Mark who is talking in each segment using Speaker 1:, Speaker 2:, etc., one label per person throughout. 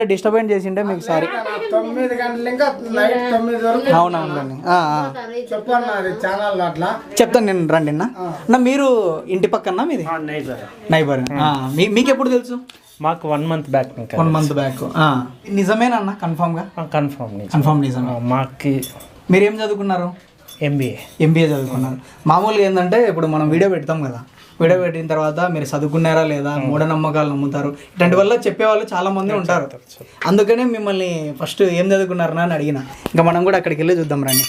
Speaker 1: Disturbance చేసింటే మీకు sorry.
Speaker 2: 9 గంటలు ఇంకా నైట్ 9 వరకు.
Speaker 1: అవునవునండి.
Speaker 2: చెప్పండి ఛానల్ అట్లా
Speaker 1: చెప్తాను నేను, రండి అన్న. మీరు ఇంటి పక్కన మీది నైబర్. మీకు ఎప్పుడు తెలుసు?
Speaker 3: మాకు 1 month బ్యాక్.
Speaker 1: 1 month back. నిజమేనన్నా? కన్ఫామ్గా? కన్ఫామ్ నిజమే.
Speaker 3: మాకు
Speaker 1: మీరేం చదువుకున్నారు? ఎంబీఏ చదువుకున్నారు. మామూలుగా ఏంటంటే ఇప్పుడు మనం వీడియో పెడతాం కదా, వీడియో పెట్టిన తర్వాత మీరు చదువుకున్నారా లేదా, మూఢనమ్మకాలు నమ్ముతారు, ఇట్లాంటి వల్ల చెప్పేవాళ్ళు చాలా మంది ఉంటారు. అందుకనే మిమ్మల్ని ఫస్ట్ ఏం చదువుకున్నారనా అని అడిగిన. ఇంకా మనం కూడా అక్కడికి వెళ్ళి చూద్దాం రండి.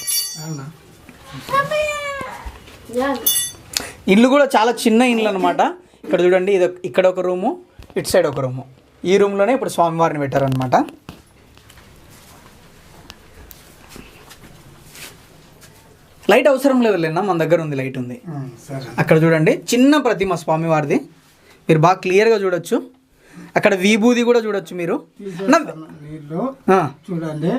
Speaker 1: ఇల్లు కూడా చాలా చిన్న ఇల్లు అనమాట. ఇక్కడ చూడండి, ఇది ఇక్కడ ఒక రూము, ఇటు సైడ్ ఒక రూము. ఈ రూమ్లోనే ఇప్పుడు స్వామివారిని పెట్టారనమాట. లైట్ అవసరం లేదు లేనా, మన దగ్గర ఉంది, లైట్ ఉంది. అక్కడ చూడండి చిన్న ప్రతిమ స్వామివారిది, మీరు బాగా క్లియర్గా చూడొచ్చు. అక్కడ విభూది కూడా చూడొచ్చు మీరు.
Speaker 2: చూడండి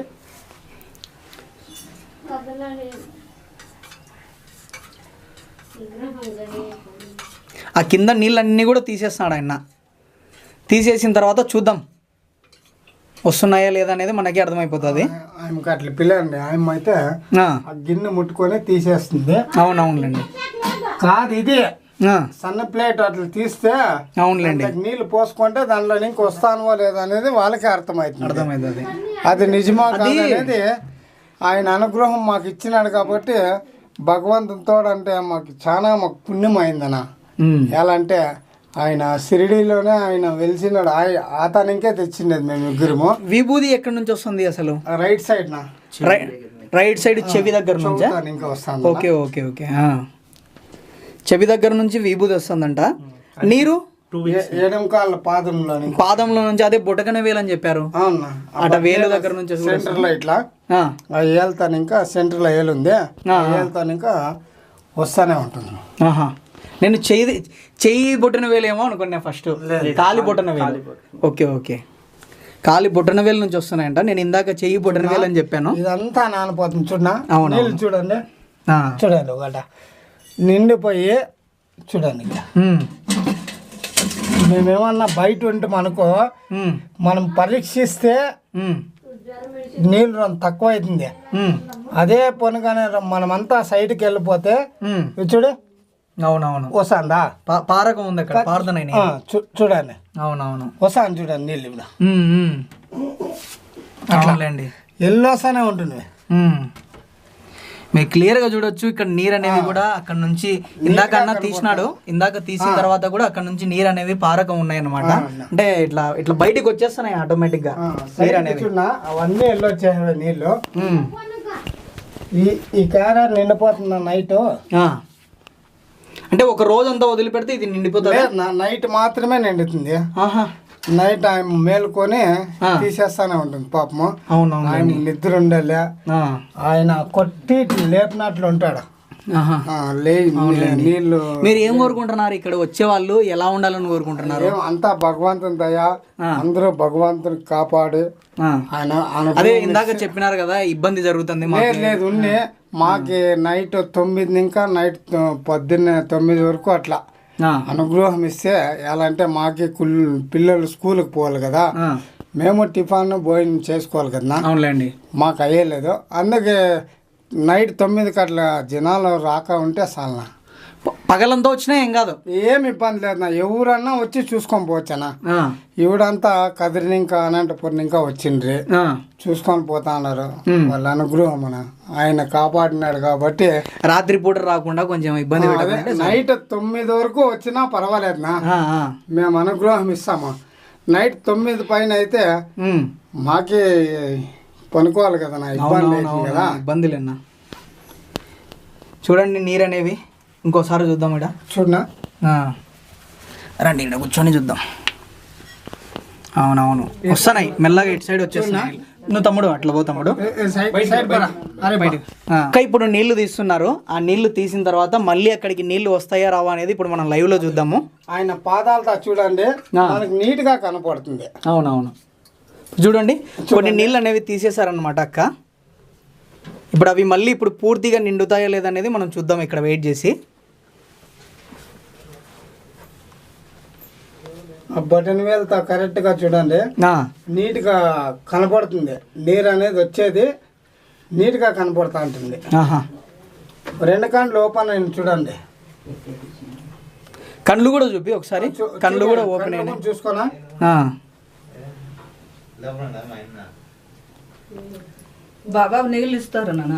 Speaker 1: ఆ కింద నీళ్ళన్నీ కూడా తీసేస్తున్నాడు ఆయన. తీసేసిన తర్వాత చూద్దాం వస్తున్నాయా లేదా అనేది మనకి అర్థమైపోతుంది.
Speaker 2: ఆయనకి అట్లా పిల్లండి, ఆయన అయితే ఆ గిన్నె ముట్టుకొని తీసేస్తుంది.
Speaker 1: అవునవునులేండి.
Speaker 2: కాదు ఇది సన్న ప్లేట్ అట్లా తీస్తే
Speaker 1: అవునులేండి
Speaker 2: నీళ్లు పోసుకుంటే దాంట్లో ఇంక వస్తానో లేదా అనేది వాళ్ళకి
Speaker 1: అర్థమవుతుంది.
Speaker 2: అది నిజమా కాదు అనేది ఆయన అనుగ్రహం మాకు ఇచ్చినాడు కాబట్టి భగవంతునితో అంటే మాకు పుణ్యం అయిందన్న. ఎలా అంటే ఆయన షిరిడీలోనే ఆయన వెలిసినాడు, అతనికే తెచ్చిండేది మేము ముగ్గురము.
Speaker 1: విభూది ఎక్కడి నుంచి వస్తుంది అసలు?
Speaker 2: రైట్ సైడ్
Speaker 1: రైట్ సైడ్ చెవి దగ్గర నుంచి
Speaker 2: ఇంకా వస్తాను.
Speaker 1: Okay okay okay. చెవి దగ్గర నుంచి విభూది వస్తుందంట. నీరు
Speaker 2: ఎడమకాళ్ళ పాదంలో
Speaker 1: నుంచి, అదే బొటకన వేలు అని చెప్పారు. అట వేలు దగ్గర నుంచి
Speaker 2: సెంటర్ లో ఇట్లా ఏళ్తాను, ఇంకా సెంటర్ లో ఏలు ఉంది, ఏళ్తాను ఇంకా వస్తానే ఉంటుంది.
Speaker 1: నేను చెయ్యి బొట్టన వేలేమో అనుకున్నా ఫస్ట్. కాలి బొట్టన వేలు. ఓకే ఓకే, కాలి బొట్టన వేలు నుంచి వస్తున్నాయంట. నేను ఇందాక చెయ్యి బొట్టన వేలు అని చెప్పాను.
Speaker 2: ఇదంతా నానిపోతుంది చూడనా.
Speaker 1: అవును
Speaker 2: చూడండి చూడండి, ఒకట నిండిపోయి చూడండి. మేమేమన్నా బయట ఉంటే మనకు మనం పరీక్షిస్తే నీళ్ళు తక్కువ అవుతుంది. అదే పనిగానే మనమంతా సైడ్కి వెళ్ళిపోతే చూడు.
Speaker 1: అవునవును
Speaker 2: వస్తాందా,
Speaker 1: పారకం ఉంది అక్కడ, పారుతున్నాయి
Speaker 2: చూడండి.
Speaker 1: అవునవును
Speaker 2: వస్తాను చూడండి నీళ్ళు ఇప్పుడు.
Speaker 1: అట్లాండి
Speaker 2: ఎల్లు వస్తానే ఉంటుంది.
Speaker 1: మీరు క్లియర్ గా చూడొచ్చు. ఇక్కడ నీరు అనేవి కూడా అక్కడ నుంచి ఇందాక తీసినాడు, ఇందాక తీసిన తర్వాత కూడా అక్కడ నుంచి నీరు అనేవి పారకం ఉన్నాయి అనమాట. అంటే ఇట్లా ఇట్లా బయటికి వచ్చేస్తున్నాయి ఆటోమేటిక్ గా నీరు అనేవి.
Speaker 2: అవన్నీ ఎల్లు వచ్చేసాడు నీళ్ళు. ఈ కార నిండిపోతుంది నైట్.
Speaker 1: అంటే ఒక రోజు అంతా వదిలిపెడితే ఇది నిండిపోతుంది?
Speaker 2: నైట్ మాత్రమే నిండుతుంది. నైట్ ఆయన మేలుకొని తీసేస్తానే ఉంటుంది పాపము. ఆయన నిద్ర ఉండాలి, ఆయన కొట్టి లేపినట్లు ఉంటాడు. నీళ్ళు.
Speaker 1: మీరు ఏం కోరుకుంటున్నారు? ఇక్కడ వచ్చే వాళ్ళు ఎలా ఉండాలని కోరుకుంటున్నారు?
Speaker 2: అంతా భగవంతుని దయ, అందరూ భగవంతుని కాపాడి ఆయన.
Speaker 1: అదే ఇందాక చెప్పినారు కదా ఇబ్బంది జరుగుతుంది.
Speaker 2: లేదు ఉన్ని మాకి నైట్ 9 ఇంకా నైట్ పొద్దున్నే 9 వరకు అట్లా అనుగ్రహం ఇస్తే ఎలా అంటే మాకి పిల్లలు స్కూల్కి పోవాలి కదా, మేము టిఫాన్ భోజనం చేసుకోవాలి కదా.
Speaker 1: అవునులేండి,
Speaker 2: మాకు అయ్యలేదు. అందుకే నైట్ 9కి అట్లా జనాలు రాక ఉంటే చాలనా.
Speaker 1: పగలంతా వచ్చినా ఏం కాదు,
Speaker 2: ఏమి ఇబ్బంది లేదు. ఎవరన్నా వచ్చి చూసుకొని పోవచ్చనా. ఇవిడంతా కదిరిని ఇంకా అనంతపురం ఇంకా వచ్చిండ్రి, చూసుకొని పోతా ఉన్నారు. వాళ్ళ అనుగ్రహం ఆయన కాపాడినాడు కాబట్టి
Speaker 1: రాత్రి పూట రాకుండా కొంచెం ఇబ్బంది.
Speaker 2: నైట్ 9 వరకు వచ్చినా పర్వాలేదునా, మేము అనుగ్రహం ఇస్తాము. నైట్ 9 పైన అయితే మాకే పనుకోవాలి కదా, ఇబ్బంది అవుతుంది కదా.
Speaker 1: ఇబ్బందులేనా. చూడండి నీరు అనేవి ఇంకోసారి చూద్దాం. ఇక్కడ
Speaker 2: చూడనా,
Speaker 1: రండి ఇక్కడ కూర్చొని చూద్దాం. అవునవును వస్తున్నాయి మెల్లగా, ఇటు సైడ్ వచ్చేస్తున్నాయి. నువ్వు తమ్ముడు అట్లా పో తమ్ముడు. ఇప్పుడు నీళ్లు తీస్తున్నారు. ఆ నీళ్లు తీసిన తర్వాత మళ్ళీ అక్కడికి నీళ్లు వస్తాయా రావా అనేది ఇప్పుడు మనం లైవ్ లో చూద్దాము.
Speaker 2: ఆయన పాదాలతో చూడండి, నీట్ గా కనపడుతుంది.
Speaker 1: అవునవును చూడండి, కొన్ని నీళ్ళు అనేవి తీసేశారనమాట అక్క. ఇప్పుడు అవి మళ్ళీ ఇప్పుడు పూర్తిగా నిండుతాయా లేదనేది మనం చూద్దాం ఇక్కడ వెయిట్ చేసి.
Speaker 2: ఆ బటన్ వేలుతో కరెక్ట్గా చూడండి, నీట్గా కనపడుతుంది. నీరు అనేది వచ్చేది నీట్గా కనపడుతూ ఉంటుంది. రెండు కళ్ళు ఓపెన్ అయింది చూడండి.
Speaker 1: కళ్ళు కూడా చూపి ఒకసారి. కళ్ళు కూడా ఓపెన్ అయినా
Speaker 2: చూసుకోనా.
Speaker 3: బాబా నీళ్ళు ఇస్తారు నాన్న.